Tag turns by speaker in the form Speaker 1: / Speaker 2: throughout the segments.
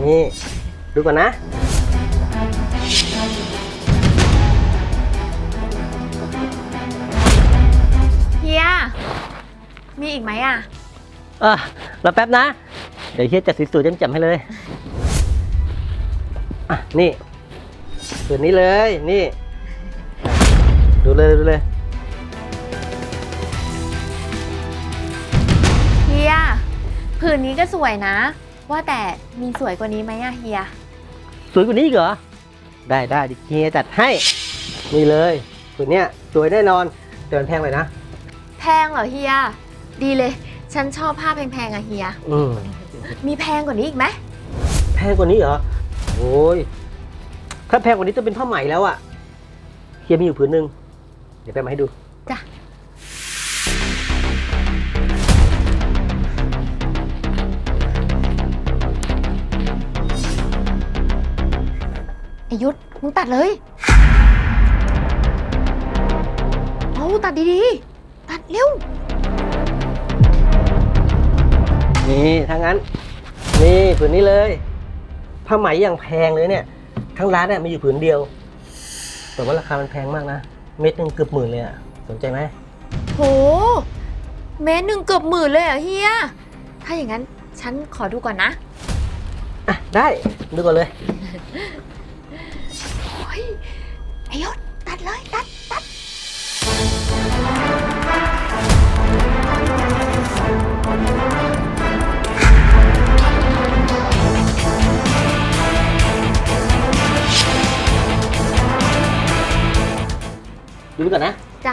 Speaker 1: นี่ดูก่อนนะ
Speaker 2: เฮียมีอีกไหมอ่ะ
Speaker 1: รอแป๊บนะเดี๋ยวเฮียจัดสวยๆจำๆให้เลยนี่ผืนนี้เลยนี่ดูเลย
Speaker 2: เฮียผืนนี้ก็สวยนะว่าแต่มีสวยกว่านี้ไหมอะเฮีย
Speaker 1: สวยกว่านี้อีกเหรอได้ดิเฮียจัดให้นี่เลยผืนเนี้ยสวยแน่นอนแต่มันแพงเลยนะ
Speaker 2: แพงเหรอเฮียดีเลยฉันชอบผ้าแพงๆอะเฮียมีแพงกว่านี้อีกไหม
Speaker 1: แพงกว่านี้เหรอโอ้ยถ้าแพงกว่านี้จะเป็นผ้าไหมแล้วอะเฮียมีอยู่ผืนหนึ่งเดี๋ยวแป๊บมาให้ดู
Speaker 2: จ้ะไอยุทธมึงตัดเลยเอาตัดดีๆตัดเร็ว
Speaker 1: นี่ถ้างั้นนี่ผืนนี้เลยผ้าไหมอย่างแพงเลยเนี่ยทั้งร้านเนี่ยมีอยู่ผืนเดียวแต่ว่าราคามันแพงมากนะเม็ดหนึงเกือบ10,000เลยอะสนใจไหม
Speaker 2: โหเมตรหนึ่งเกือบ10,000เลยเหรอเฮียถ้าอย่างนั้นฉันขอดูก่อนนะ
Speaker 1: ได้ดูก่อนเลย
Speaker 2: โอ้ยไอยุทธตัดเลยตัด
Speaker 1: ดูก่อนนะ
Speaker 2: จ้ะ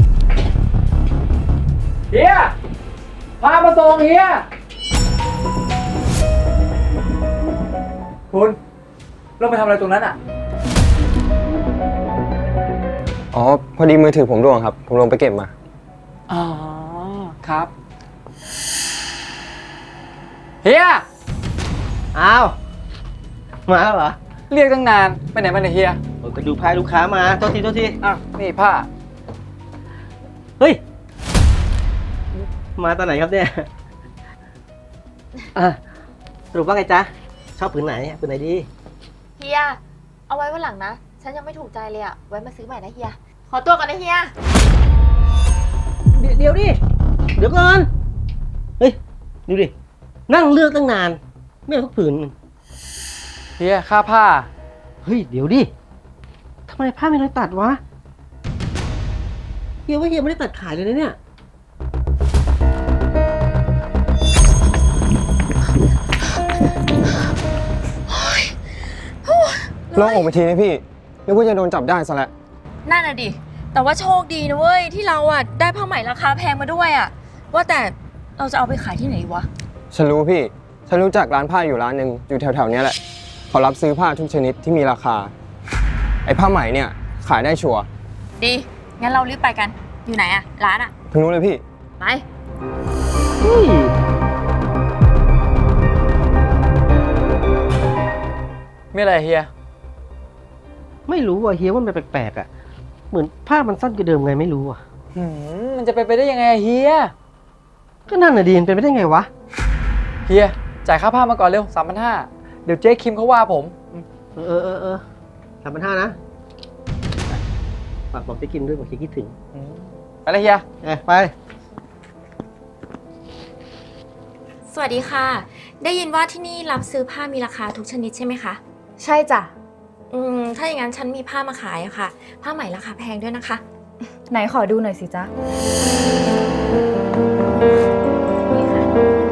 Speaker 3: เฮียพามาส่งเฮียคุณลงไปทำอะไรตรงนั้นอ่ะ
Speaker 4: อ๋อ พอดีมือถือผมร่วงครับ ผมลงไปเก็บมา
Speaker 3: อ๋อ ครับ เฮีย
Speaker 1: อ้าวมาแล้วเหรอ
Speaker 3: เรียกตั้งนาน ไปไหนมาเนี่ยเฮีย
Speaker 1: โอ้ยไปดูพายลูกค้ามาโทษที
Speaker 3: อ้าวนี่ผ้า
Speaker 1: เฮ้ยมาตอนไหนครับเนี่ยสรุปว่าไงจ๊ะชอบผืนไหนผืนไหนดี
Speaker 2: เฮียเอาไว้วันหลังนะฉันยังไม่ถูกใจเลยอะไว้มาซื้อใหม่นะเฮียขอตัวก่อนนะเฮีย
Speaker 1: เดี๋ยวดิเดี๋ยวก่อนเฮ้ยดูดินั่งเลือกตั้งนานไม่เอาสักผืน
Speaker 3: เฮียค่าผ้า
Speaker 1: เฮ้ยเดี๋ยวดิทำไมผ้าไม่ได้ตัดวะเฮียว่าเฮียไม่ได้ตัดขายเลยนะเนี่ย
Speaker 4: ลองออกไปทีนะพี่นึกว่าจะโดนจับได้ซะแล้ว
Speaker 2: นั่นน่ะดิแต่ว่าโชคดีนะเว้ยที่เราอะได้ผ้าไหมราคาแพงมาด้วยอะว่าแต่เราจะเอาไปขายที่ไหนวะ
Speaker 4: ฉันรู้พี่ ฉันรู้จักร้านผ้าอยู่ร้านหนึ่งอยู่แถวๆเนี้ยแหละเขารับซื้อผ้าทุกชนิดที่มีราคา ไอ้ผ้าไหมเนี่ยขายได้ชัวร์
Speaker 2: ดีงั้นเรารีบไปกันอยู่ไหนอะร้านอะ
Speaker 4: ทางนู้นเลยพี่
Speaker 2: ไป
Speaker 1: เฮ้ย
Speaker 3: ไม่อะไรเฮีย
Speaker 1: ไม่รู้ว่ะเฮียว่ามันแปลกๆอ่ะเหมือนผ้ามันสั้นกว่าเดิมไงไม่รู้อ่ะ
Speaker 3: มันจะไปได้ยังไงอะเฮีย
Speaker 1: ก็นั่นน่ะดีมันเป็นไปได้ไงวะ
Speaker 3: เฮีย จ่ายค่าผ้ามาก่อนเร็ว3,500เดี๋ยวเจ๊คิมเขาว่าผม
Speaker 1: 3,500นะฝากบอกจะกินด้วยบอกจะคิดถึง
Speaker 3: ไปเลยเฮีย
Speaker 1: ไป
Speaker 2: สวัสดีค่ะได้ยินว่าที่นี่รับซื้อผ้ามีราคาทุกชนิดใช่ไหมคะ
Speaker 5: ใช่จ้ะ
Speaker 2: ถ้าอย่างนั้นฉันมีผ้ามาขายอะค่ะผ้าไหมราคาแพงด้วยนะคะ
Speaker 5: ไหนขอดูหน่อยสิจ๊ะ
Speaker 2: นี่ค่ะ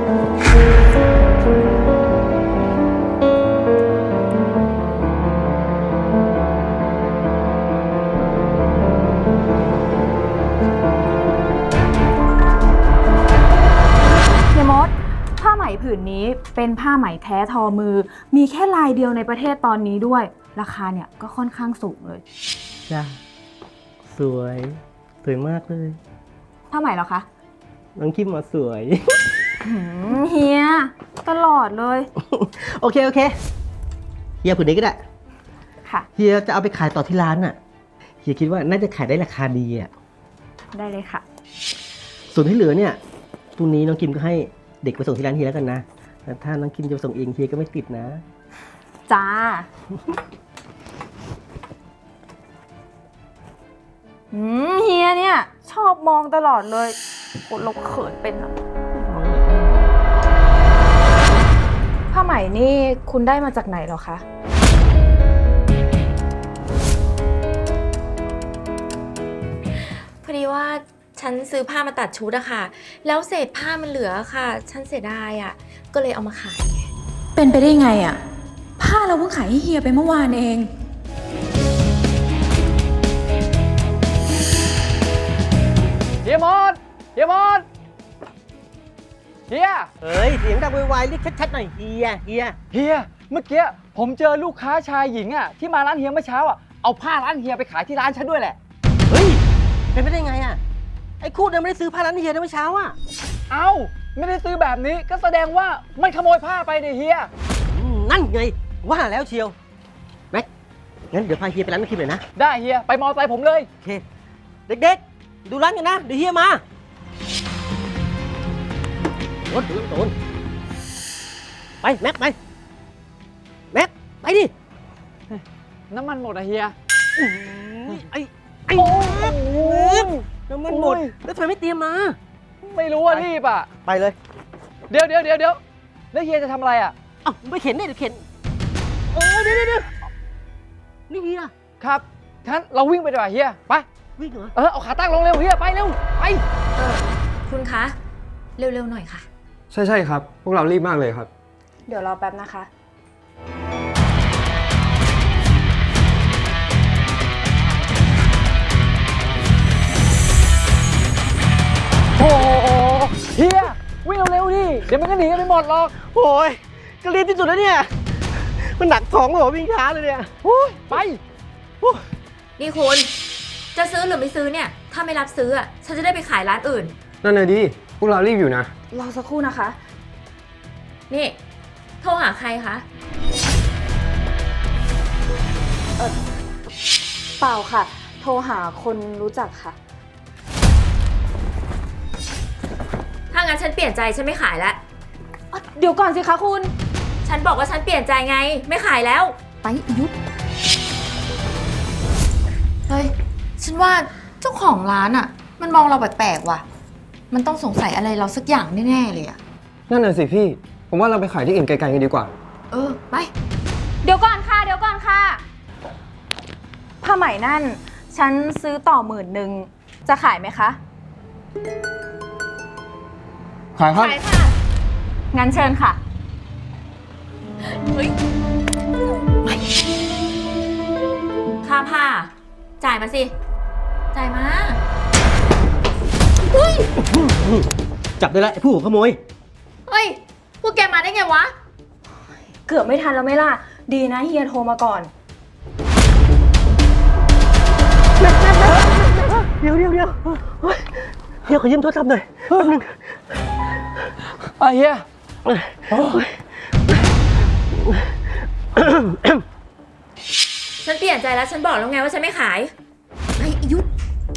Speaker 5: เฮียมด ผ้าไหมผืนนี้เป็นผ้าไหมแท้ทอมือ มีแค่ลายเดียวในประเทศตอนนี้ด้วย ราคาเนี่ยก็ค่อนข้างสูงเลย
Speaker 1: จ้าสวยมากเลย
Speaker 5: ผ้าไหมเหรอคะ
Speaker 1: น้องคิมมาสวย
Speaker 5: เฮีย ตลอดเลย
Speaker 1: โอเคเฮียผืนนี้ก็ได้
Speaker 5: ค่ะ
Speaker 1: เฮียจะเอาไปขายต่อที่ร้านน่ะเฮียคิดว่าน่าจะขายได้ราคาดีอ่ะ
Speaker 5: ได้เลยค่ะ
Speaker 1: ส่วนที่เหลือเนี่ยพรุ่งนี้น้องคิมก็ให้เด็กไปส่งที่ร้านเฮียแล้วกันนะแต่ถ้าน้องคิมจะส่งเองเฮียก็ไม่ติดนะ
Speaker 5: จ้า เฮียเนี่ย ชอบมองตลอดเลยคนเราเขินเป็นอะผ้าไหมนี่คุณได้มาจากไหนเหรอคะ
Speaker 2: พอดีว่าฉันซื้อผ้ามาตัดชุดอะค่ะ แล้วเศษผ้ามันเหลือค่ะ ฉันเสียดายอะก็เลยเอามาขายไง
Speaker 6: เป็นไปได้ไงอะผ้าเราเพิ่งขายให้เฮียไปเมื่อวานเอง
Speaker 3: เฮียมดเฮียมดเฮีย
Speaker 1: เฮ้ย เสียงดังไวๆเรียกชัดๆหน่อยเฮีย
Speaker 3: เฮีย เมื่อกี้ผมเจอลูกค้าชายหญิงอ่ะที่มาร้านเฮียเมื่อเช้าอ่ะ เอาผ้าร้านเฮียไปขายที่ร้านฉันด้วยแหละ
Speaker 1: เฮ้ย เป็นไปได้ไงอ่ะ ไอ้คู่เดิมไม่ได้ซื้อผ้าร้านเฮียนะเมื่อเช้าอ่ะ
Speaker 3: เอ้า ไม่ได้ซื้อแบบนี้ก็แสดงว่ามันขโมยผ้าไปเนี่ยเฮีย
Speaker 1: นั่นไง ว่าแล้วเชียว แม็ก งั้นเดี๋ยวพาเฮียไปร้านน้องคิมหน่อยนะ
Speaker 3: ได้เฮีย ไปมอไซค์ผมเลย
Speaker 1: โอเค เด็กๆ ดูร้านกันนะ เดี๋ยวเฮียมาโดนไป แม็ก ไป แม็ก ไปดิ
Speaker 3: น้ำมันหมดอะเฮีย
Speaker 1: ไอ้
Speaker 3: โอ้
Speaker 1: แม็ก
Speaker 3: โห
Speaker 1: น้ำมันหมด แล้วทำไมไม่เตรียมมา
Speaker 3: ไม่รู้ว่ารีบอ่ะ
Speaker 1: ไปเลย
Speaker 3: เดี๋ยวแล้วเฮียจะทำอะไรอ่ะ
Speaker 1: เอ้าไปเข็นได้เดี๋ยวเข็นเดี๋ยวนี่เฮีย
Speaker 3: ครับงั้นเราวิ่งไปดีกว่าเฮีย ไป
Speaker 1: วิ่งเหรอ
Speaker 3: เอาขาตั้งลงเร็วเฮีย ไปเร็ว ไป
Speaker 2: คุณคะ เร็วๆหน่อยค่ะ
Speaker 4: ใช่ครับ พวกเรารีบมากเลยครับ
Speaker 5: เดี๋ยวรอแป๊บนะคะ
Speaker 3: โอ้โหเฮีย วิ่งเร็วๆดิ เดี๋ยวมันก็หนีกันไปหมดหรอก
Speaker 1: โอ้ยก็รีบที่สุดแล้วเนี่ย มันหนักท้องเลยเหรอวิ่งช้าเลยเนี่ย
Speaker 3: ไป
Speaker 2: นี่คุณ จะซื้อหรือไม่ซื้อเนี่ย ถ้าไม่รับซื้ออะฉันจะได้ไปขายร้านอื่น
Speaker 4: นั่นน่ะดิ พวกเรารีบอยู่นะ
Speaker 5: รอสักครู่นะคะ
Speaker 2: นี่ โทรหาใครคะ
Speaker 5: เปล่าค่ะ โทรหาคนรู้จักค่ะ
Speaker 2: ถ้างั้นฉันเปลี่ยนใจฉันไม่ขายแล้ว
Speaker 5: เดี๋ยวก่อนสิคะคุณ
Speaker 2: ฉันบอกว่าฉันเปลี่ยนใจไง ไม่ขายแล้ว
Speaker 6: ไปยุด
Speaker 2: เฮ้ย ฉันว่าเจ้าของร้านอะมันมองเราแปลกๆว่ะ มันต้องสงสัยอะไรเราสักอย่างแน่ๆเลยอะ
Speaker 4: นั่นน่ะสิพี่ ผมว่าเราไปขายที่อื่นไกลๆกันดีกว่า
Speaker 2: เออ ไป
Speaker 5: เดี๋ยวก่อนค่ะ ผ้าไหมนั่น ฉันซื้อต่อ10,000 จะขายไหมคะ
Speaker 4: ขายครับ
Speaker 2: ขายค่ะ
Speaker 5: งั้นเชิญค่ะ
Speaker 2: ค่าผ้า จ่ายมาสิ จ่ายมา
Speaker 1: จับได้แล้วไอ้ผู้หัวขโมย
Speaker 2: เฮ้ย พวกแกมาได้ไงวะ
Speaker 5: เกือบไม่ทันแล้วไหม่ล่ะ ดีนะเฮียโทรมาก่อน
Speaker 1: เดี๋ยวเฮ้ยเฮียขอยืมโทรศัพท์หน่อยแป๊บนึง
Speaker 3: เฮีย
Speaker 2: ฉันเปลี่ยนใจแล้ว ฉันบอกแล้วไงว่าฉันไม่ขายไอ้ยุทธ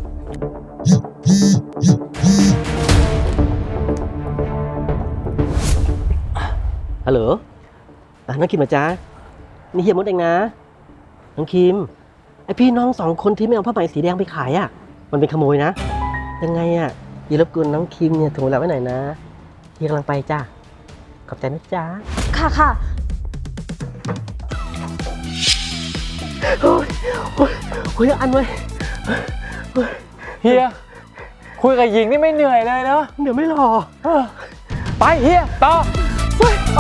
Speaker 1: ฮัลโหลน้องคิมเหรอจ๊ะนี่เฮียมดเองนะ น้องคิม ไอพี่น้อง2 คนที่ไม่เอาผ้าไหมสีแดงไปขายอ่ะ มันเป็นขโมยนะ ยังไงอ่ะอย่ารบกวนน้องคิมเนี่ยโทรเราไว้หน่อยนะเฮียกำลังไปจ้าขอบใจนะจ๊ะ
Speaker 5: ค่ะ
Speaker 1: โอ้ยอันไว้
Speaker 3: เฮีย คุยกับหญิงนี่ไม่เหนื่อยเลยเนาะ
Speaker 1: เดี๋ยวไม่รอ
Speaker 3: ไปเฮีย ต่อ ไป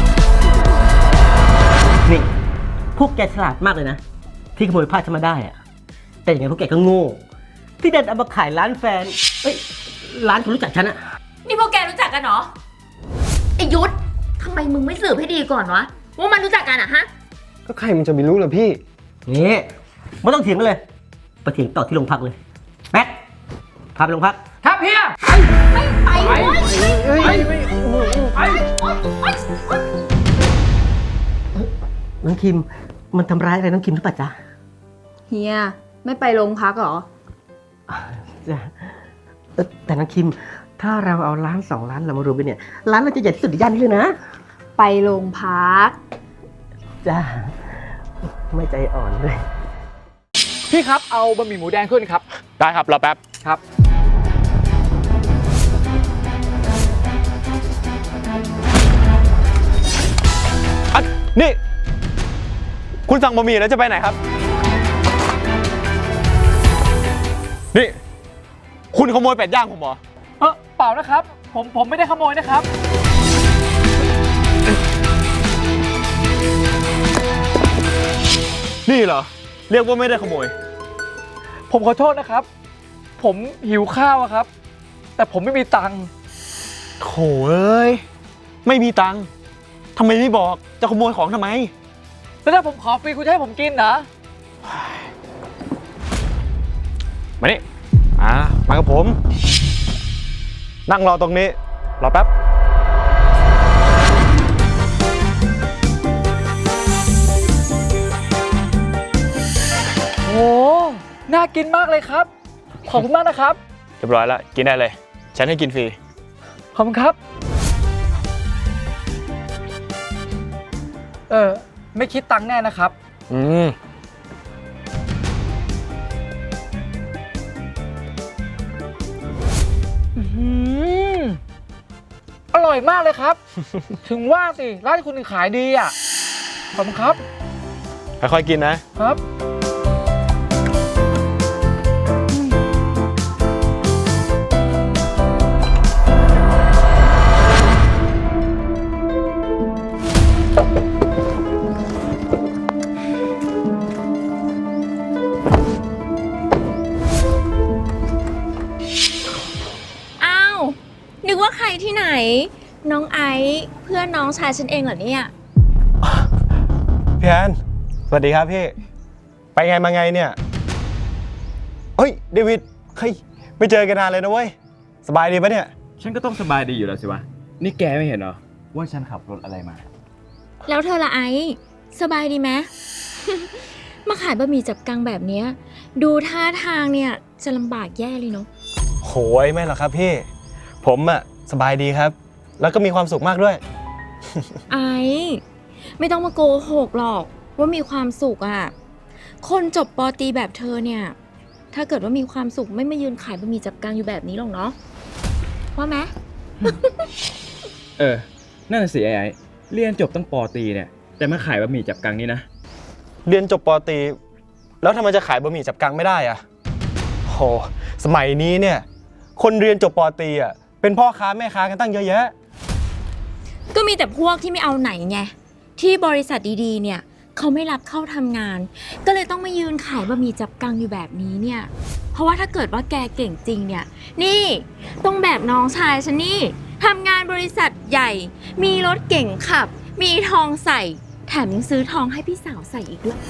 Speaker 1: นี่ พวกแกฉลาดมากเลยนะ ที่ขโมยผ้าฉันมาได้อะแต่อย่างไงพวกแกก็โง่ ที่เดินเอามาขายร้านแฟน เอ้ย ร้านคนรู้จักฉันอะ
Speaker 2: นี่พวกแกรู้จักกันเหรอ ไอ้ยุทธทำไมมึงไม่สืบให้ดีก่อนวะ ว่ามันรู้จักกันอะฮะ
Speaker 4: ก็ใครมันจะไปรู้ล่ะพี่
Speaker 1: นี่ไม่ต้องเถียงกันเลยไปเถียงต่อที่โรงพักเลยแม็กพาไปโรงพัก
Speaker 3: ครับเฮีย
Speaker 2: ไปเว้ย
Speaker 1: น้องคิม มันทำร้ายอะไรน้องคิมหรือเปล่าจ๊ะ
Speaker 5: เฮีย ไม่ไปโรงพักเหรอ
Speaker 1: จ้ะแต่น้องคิม ถ้าเราเอาร้าน2 ร้านเรามารวมกันเนี่ย ร้านเราจะใหญ่ที่สุดในย่านนี้เลยนะ
Speaker 5: ไปโรงพัก
Speaker 1: จ้า ไม่ใจอ่อนเลย
Speaker 3: พี่ครับเอาบะหมี่หมูแดงขึ้นครับ
Speaker 7: ได้ครับรอแป๊บ
Speaker 3: ครับ
Speaker 7: นี่ คุณสั่งบะหมี่แล้วจะไปไหนครับ นี่ คุณขโมยเป็ดย่างผมเหรอ
Speaker 3: เปล่านะครับ ผมไม่ได้ขโมยนะครับ
Speaker 7: นี่เหรอ เรียกว่าไม่ได้ขโมย
Speaker 3: ผมขอโทษนะครับ ผมหิวข้าวอะครับ แต่ผมไม่มีตังค์
Speaker 7: โถเอ้ย ไม่มีตังค์ทำไมไม่บอก จะขโมยของทำไม
Speaker 3: แล้วถ้าผมขอฟรีคุณจะให้ผมกินเหรอ
Speaker 7: มานี่มากับผม นั่งรอตรงนี้ รอแป๊บ
Speaker 3: โอ้น่ากินมากเลยครับ ขอบคุณมากนะครับ
Speaker 7: เรียบร้อยแล้ว กินได้เลย ฉันให้กินฟรี
Speaker 3: ขอบคุณครับ ไม่คิดตังค์แน่นะครับ
Speaker 7: อืม
Speaker 3: อร่อยมากเลยครับ ถึงว่าสิร้านคุณขายดีอ่ะ ขอบคุณครับ
Speaker 7: ค่อยๆกินนะ
Speaker 3: ครับ
Speaker 2: อ้าว นึกว่าใครที่ไหน น้องไอซ์เพื่อนน้องชายฉันเองเหรอเนี่ย
Speaker 7: พี่แอนสวัสดีครับพี่ ไปไงมาไงเนี่ย เฮ้ย เดวิด เฮ้ย ไม่เจอกันนานเลยนะเว้ย สบายดีปะเนี่ย
Speaker 8: ฉันก็ต้องสบายดีอยู่แล้วสิวะ นี่แกไม่เห็นเหรอ ว่าฉันขับรถอะไรมา
Speaker 2: แล้วเธอละไอซ์สบายดีไหม มาขายบะหมี่จับกังแบบเนี้ยดูท่าทางเนี่ยจะลำบากแย่เลยเนาะ
Speaker 7: โหยไม่หรอกครับพี่ ผมอะสบายดีครับ แล้วก็มีความสุขมากด้วย
Speaker 2: ไอซ์ไม่ต้องมาโกหกหรอกว่ามีความสุขอ่ะ คนจบป.ตรีแบบเธอเนี่ย ถ้าเกิดว่ามีความสุขไม่มายืนขายบะหมี่จับกังอยู่แบบนี้หรอกเนาะว่าไหม
Speaker 8: นั่นนะสิไอ้เรียนจบตั้งป.ตรีเนี่ย แต่มาขายบะหมี่จับกังนี่นะ
Speaker 7: เรียนจบปตรีแล้วทำไมจะขายบะหมี่จับกังไม่ได้อะโห สมัยนี้เนี่ย คนเรียนจบปตรีอะเป็นพ่อค้าแม่ค้ากันตั้งเยอะแยะ
Speaker 2: ก็มีแต่พวกที่ไม่เอาไหนไงที่บริษัทดีๆเนี่ยเขาไม่รับเข้าทำงาน ก็เลยต้องมายืนขายบะหมี่จับกังอยู่แบบนี้เนี่ยเพราะว่าถ้าเกิดว่าแกเก่งจริงเนี่ยนี่ต้องแบบน้องชายฉันนี่ทำงานบริษัทใหญ่ มีรถเก่งขับ มีทองใส่แถมยังซื้อทองให้พี่สาวใส่อีกด้วย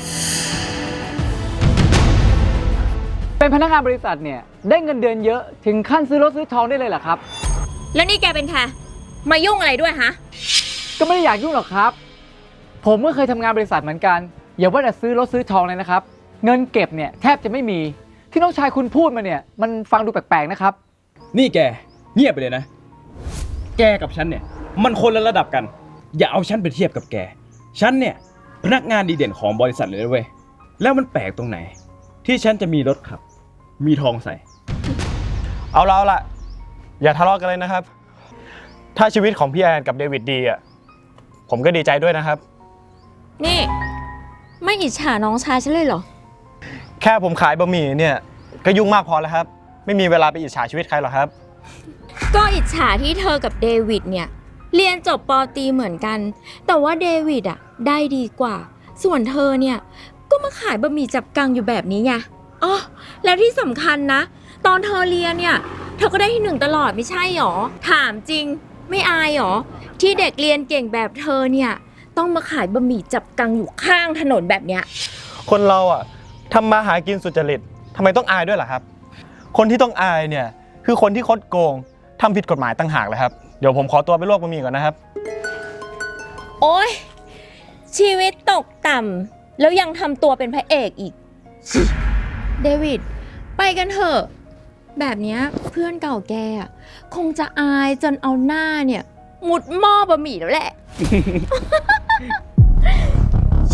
Speaker 3: เป็นพนักงานบริษัทเนี่ยได้เงินเดือนเยอะถึงขั้นซื้อรถซื้อทองได้เลยเหรอครับ
Speaker 2: แล้วนี่แกเป็นใครมายุ่งอะไรด้วยฮะ
Speaker 3: ก็ไม่ได้อยากยุ่งหรอกครับ ผมก็เคยทำงานบริษัทเหมือนกัน อย่าว่าแต่ซื้อรถซื้อทองเลยนะครับ เงินเก็บเนี่ยแทบจะไม่มีที่น้องชายคุณพูดมาเนี่ยมันฟังดูแปลกๆนะครับ
Speaker 8: นี่แก เงียบไปเลยนะ แกกับฉันเนี่ย มันคนละระดับกัน อย่าเอาฉันไปเทียบกับแก ฉันเนี่ยพนักงานดีเด่นของบริษัทเลยนะเว้ย แล้วมันแปลกตรงไหน ที่ฉันจะมีรถขับ มีทองใส่
Speaker 7: เอาละอย่าทะเลาะกันเลยนะครับ ถ้าชีวิตของพี่แอนกับเดวิดดีอะผมก็ดีใจด้วยนะครับ
Speaker 2: นี่ไม่อิจฉาน้องชายฉันเลยเหรอ
Speaker 7: แค่ผมขายบะหมี่เนี่ยก็ยุ่งมากพอแล้วครับ ไม่มีเวลาไปอิจฉาชีวิตใครหรอกครับ
Speaker 2: ก็อิจฉาที่เธอกับเดวิดเนี่ยเรียนจบป.ตรีเหมือนกัน แต่ว่าเดวิดอ่ะได้ดีกว่า ส่วนเธอเนี่ยก็มาขายบะหมี่จับกังอยู่แบบนี้ไงอ๋อแล้วที่สำคัญนะ ตอนเธอเรียนเนี่ยเธอก็ได้ที่ 1ตลอดไม่ใช่หรอถามจริงไม่อายหรอที่เด็กเรียนเก่งแบบเธอเนี่ยต้องมาขายบะหมี่จับกังอยู่ข้างถนนแบบเนี้ย
Speaker 7: คนเราอะทำมาหากินสุจริตทำไมต้องอายด้วยล่ะครับ คนที่ต้องอายเนี่ยคือคนที่คดโกงทำผิดกฎหมายต่างหากเลยครับเดี๋ยวผมขอตัวไปลวกบะหมี่ก่อนนะครับ
Speaker 2: โอ๊ยชีวิตตกต่ำแล้วยังทำตัวเป็นพระเอกอีก เดวิดไปกันเถอะแบบเนี้ยเพื่อนเก่าแกอะคงจะอายจนเอาหน้าเนี่ยมุดหม้อบะหมี่แล้วแหละ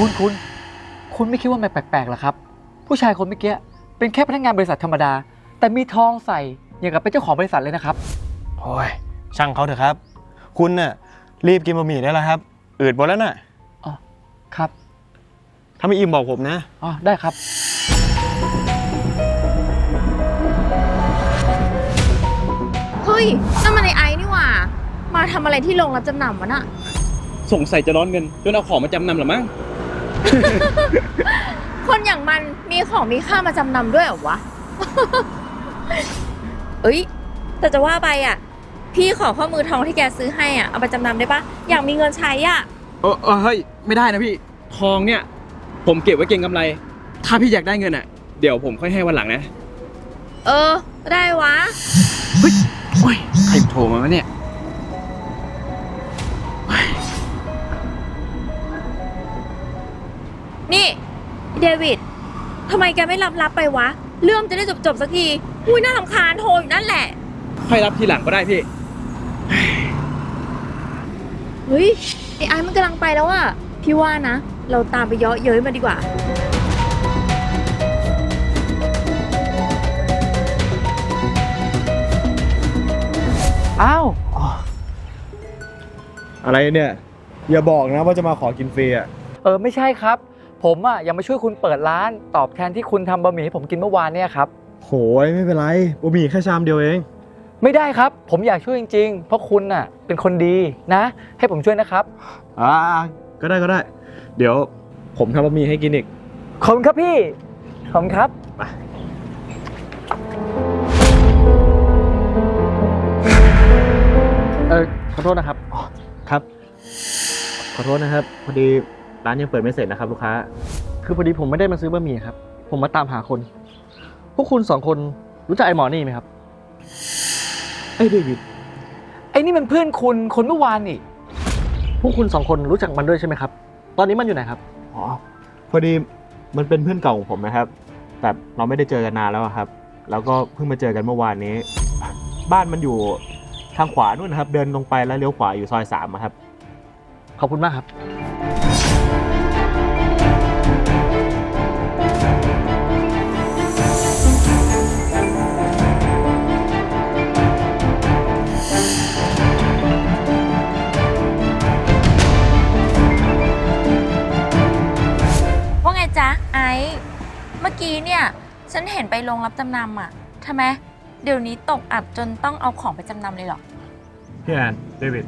Speaker 3: คุณไม่คิดว่ามันแปลกๆเหรอครับ ผู้ชายคนเมื่อกี้เป็นแค่พนักงานบริษัทธรรมดา แต่มีทองใส่อย่างกับเป็นเจ้าของบริษัทเลยนะครับ
Speaker 7: โอ้ยช่างเขาเถอะครับ คุณน่ะรีบกินบะหมี่ได้แล้วครับ อืดหมดแล้วน่ะ
Speaker 3: อ๋อ ครับ
Speaker 7: ถ้าไม่อิ่มบอกผมนะ
Speaker 3: อ๋อ ได้ครับ
Speaker 2: เฮ้ยนั่นมันไอ้นี่หว่า มาทำอะไรที่โรงรับจำนำวะน่ะ
Speaker 8: สงสัยจะร้อนเงินจนเอาของมาจำนำหรือมั้ง
Speaker 2: คนอย่างมันมีของมีค่ามาจำนำด้วยเหรอวะ เอ้ย แต่จะว่าไปอ่ะ พี่ขอข้อมือทองที่แกซื้อให้อ่ะ เอาไปจำนำได้ปะอยากมีเงินใช้อ่ะ
Speaker 8: เฮ้ย ไม่ได้นะพี่ ทองเนี่ย ผมเก็บไว้เก็งกำไร ถ้าพี่อยากได้เงินอ่ะ เดี๋ยวผมค่อยให้วันหลังนะ
Speaker 2: เออ ได้วะ
Speaker 8: เฮ้ยโอ้ยใครโทรมาวะเนี่ย
Speaker 2: นี่ เดวิดทำไมแกไม่รับไปวะ เรื่องจะได้จบสักที อุ้ยน่ารำคาญโทรอยู่นั่นแหละ
Speaker 8: ค่อยรับทีหลังก็ได้พี่
Speaker 2: เฮ้ย ไอ้มันกำลังไปแล้วอะพี่ว่านะ เราตามไปเยาะเย้ยมาดีกว่า
Speaker 3: อ้าว
Speaker 7: อะไรเนี่ย อย่าบอกนะว่าจะมาขอกินฟรีอ่ะ
Speaker 3: ไม่ใช่ครับ ผมอ่ะยังมาช่วยคุณเปิดร้านตอบแทนที่คุณทำบะหมี่ให้ผมกินเมื่อวานเนี่ยครับ
Speaker 7: โหยไม่เป็นไรบะหมี่แค่ชามเดียวเอง
Speaker 3: ไม่ได้ครับ ผมอยากช่วยจริงๆ เพราะคุณน่ะเป็นคนดีนะ ให้ผมช่วยนะครับ
Speaker 7: ก็ได้ก็ได้ เดี๋ยวผมทำบะหมี่ให้กินอีก
Speaker 3: ขอบคุณครับพี่ ขอบคุณครับ ขอโทษนะครับ
Speaker 7: ครับ ขอโทษนะครับ พอดีร้านยังเปิดไม่เสร็จนะครับลูกค้า
Speaker 9: คือพอดีผมไม่ได้มาซื้อบะหมี่ครับ ผมมาตามหาคน พวกคุณสองคนรู้จักไอ้หมอนี่ไหมครับ
Speaker 7: ไอ้เดวิด
Speaker 3: ไอ้นี่มันเพื่อนคุณคนเมื่อวานนี่
Speaker 9: พวกคุณสองคนรู้จักมันด้วยใช่ไหมครับ ตอนนี้มันอยู่ไหนครับ
Speaker 7: อ๋อ พอดีมันเป็นเพื่อนเก่าของผมนะครับ แต่เราไม่ได้เจอกันนานแล้วอะครับ แล้วก็เพิ่งมาเจอกันเมื่อวานนี้ บ้านมันอยู่ทางขวานู่นนะครับ เดินลงไปแล้วเลี้ยวขวาอยู่ซอย3อะครับ
Speaker 9: ขอบคุณมากครับ
Speaker 2: ว่าไงจ๊ะไอซ์เมื่อกี้เนี่ย ฉันเห็นไปโรงรับจำนำอ่ะทำไม เดี๋ยวนี้ตกอับจนต้องเอาของไปจำนำเลยเหรอ
Speaker 7: พี่แอนเดวิด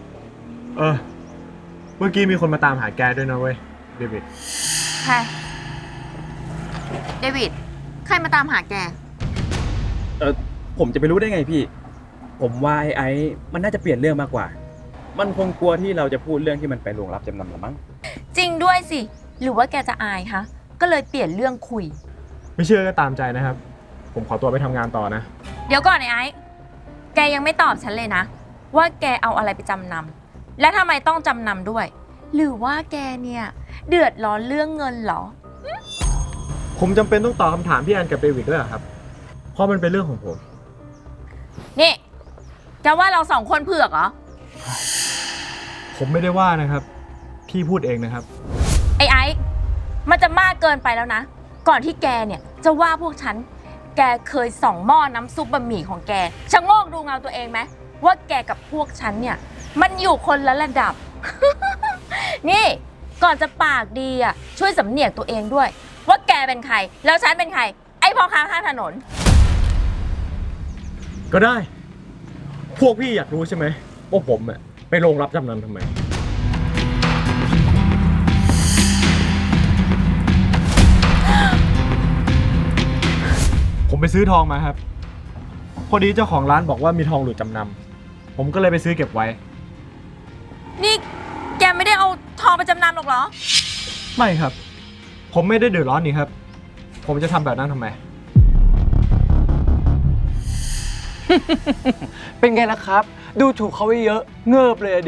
Speaker 7: เมื่อกี้มีคนมาตามหาแกด้วยนะเว้ย เดวิด
Speaker 2: ใคร เดวิด ใครมาตามหาแก
Speaker 8: ผมจะไปรู้ได้ไงพี่ ผมว่าไอ้มันน่าจะเปลี่ยนเรื่องมากกว่า มันคงกลัวที่เราจะพูดเรื่องที่มันไปโรงรับจำนำหรือมั้ง
Speaker 2: จริงด้วยสิ หรือว่าแกจะอายคะ ก็เลยเปลี่ยนเรื่องคุย
Speaker 7: ไม่เชื่อก็ตามใจนะครับ ผมขอตัวไปทำงานต่อนะ
Speaker 2: เดี๋ยวก่อนไอ้แกยังไม่ตอบฉันเลยนะ ว่าแกเอาอะไรไปจำนำและทำไมต้องจำนำด้วย หรือว่าแกเนี่ยเดือดร้อนเรื่องเงินเหรอ
Speaker 7: ผมจำเป็นต้องตอบคำถามพี่แอนกับเดวิดด้วยเหรอครับ เพราะมันเป็นเรื่องของผม
Speaker 2: นี่จะว่าเราสองคนเผือกเหรอ
Speaker 7: ผมไม่ได้ว่านะครับ พี่พูดเองนะครับ
Speaker 2: ไอ้มันจะมากเกินไปแล้วนะ ก่อนที่แกเนี่ยจะว่าพวกฉัน แกเคยส่องหม้อน้ำซุปบะหมี่ของแกชะโงกดูเงาตัวเองไหมว่าแกกับพวกฉันเนี่ยมันอยู่คนละระดับ นี่ก่อนจะปากดีอ่ะช่วยสำเนียกตัวเองด้วย ว่าแกเป็นใครแล้วฉันเป็นใคร ไอ้พ่อค้าข้างถนน
Speaker 7: ก็ได้ พวกพี่อยากรู้ใช่ไหมว่าผมอะไปโรงรับจำนำทำไม ผมไปซื้อทองมาครับ พอดีเจ้าของร้านบอกว่ามีทองหลุดจำนำผมก็เลยไปซื้อเก็บไว้
Speaker 2: นี่แกไม่ได้เอาทองไปจำนำหรอกเหรอ
Speaker 7: ไม่ครับ ผมไม่ได้เดือดร้อนนี่ครับ ผมจะทำแบบนั้นทำไม
Speaker 3: เป็นไงล่ะครับ ดูถูกเขาไว้เยอะ เงิบเลยอะดิ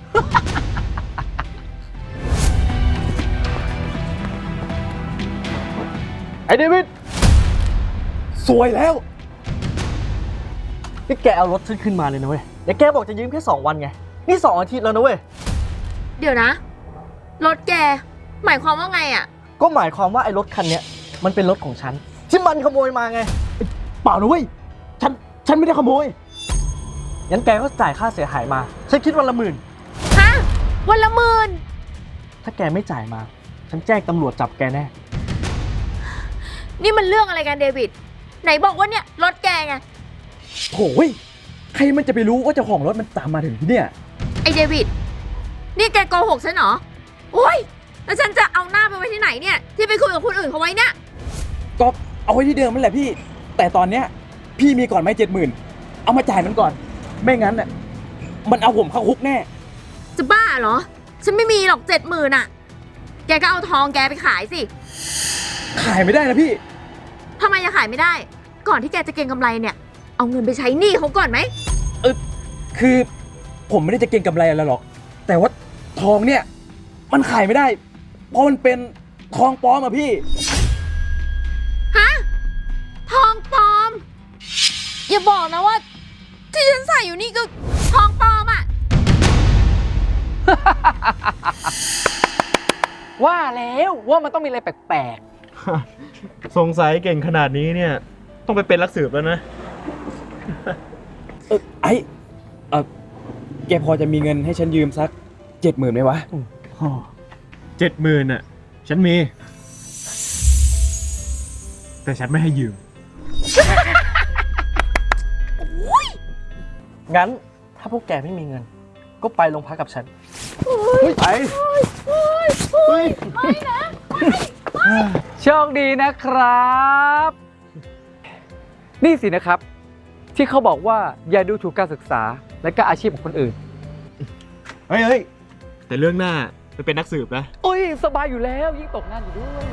Speaker 9: ไอ้เดวิด
Speaker 7: สวยแล้ว
Speaker 9: นี่แกเอารถฉันขึ้นมาเลยนะเว้ยเดี๋ยวแกบอกจะยืมแค่2 วันไง นี่2 อาทิตย์แล้วนะเว้ย
Speaker 2: เดี๋ยวนะ รถแกหมายความว่าไงอะ
Speaker 9: ก็หมายความว่าไอ้รถคันเนี้ยมันเป็นรถของฉัน ที่มันขโมยมาไง
Speaker 7: เปล่านะเว้ย ฉันไม่ได้ขโมย
Speaker 9: งั้นแกก็จ่ายค่าเสียหายมา ฉันคิดวันละหมื่น
Speaker 2: ฮะ วันละ10,000
Speaker 9: ถ้าแกไม่จ่ายมา ฉันแจ้งตำรวจจับแกแน่
Speaker 2: นี่มันเรื่องอะไรกันเดวิด ไหนบอกว่าเนี่ยรถแกไง
Speaker 8: โถ่ยใครมันจะไปรู้ว่าเจ้าของรถมันตามมาถึงที่เนี่ย
Speaker 2: ไอเดวิด นี่แกโกหกฉันเหรอ โอ้ย แล้วฉันจะเอาหน้าไปไว้ที่ไหนเนี่ย ที่ไปคุยกับคนอื่นเขาไว้เนี่ย
Speaker 8: ก็เอาไว้ที่เดิมนั่นแหละพี่ แต่ตอนเนี้ยพี่มีก่อนไหม70,000เอามาจ่ายมันก่อน ไม่งั้นน่ะมันเอาผมเข้าคุกแน่
Speaker 2: จะบ้าเหรอ ฉันไม่มีหรอก70,000อะแกก็เอาทองแกไปขายสิ
Speaker 8: ขายไม่ได้นะพี่
Speaker 2: ทำไมจะขายไม่ได้ ก่อนที่แกจะเก็งกำไรเนี่ย เอาเงินไปใช้หนี้เขาก่อนไหม
Speaker 8: คือผมไม่ได้จะเก็งกำไรอะไรหรอก แต่ว่าทองเนี่ยมันขายไม่ได้ เพราะมันเป็นทองปลอมอะพี่
Speaker 2: ฮะ ทองปลอม อย่าบอกนะว่า ที่ฉันใส่อยู่นี่ก็ทองปลอมอะ
Speaker 3: ว่าแล้วว่ามันต้องมีอะไรแปลก
Speaker 7: สงสัยเก่งขนาดนี้เนี่ย ต้องไปเป็นนักสืบแล้วนะ
Speaker 8: แกพอจะมีเงินให้ฉันยืมสัก70,000ไหมวะ
Speaker 7: 70,000น่ะ ฉันมี แต่ฉันไม่ให้ยืม
Speaker 9: งั้นถ้าพวกแกไม่มีเงิน ก็ไปโรงพักกับฉัน
Speaker 7: ไป
Speaker 3: ๆ โชคดีนะครับ นี่สินะครับ ที่เขาบอกว่าอย่าดูถูกการศึกษาและก็อาชีพของคนอื่น
Speaker 7: เฮ้ย แต่เรื่องหน้าไปเป็นนักสืบนะ
Speaker 3: โอ้ย สบายอยู่แล้วยิ่งตกงานอยู่ด้วย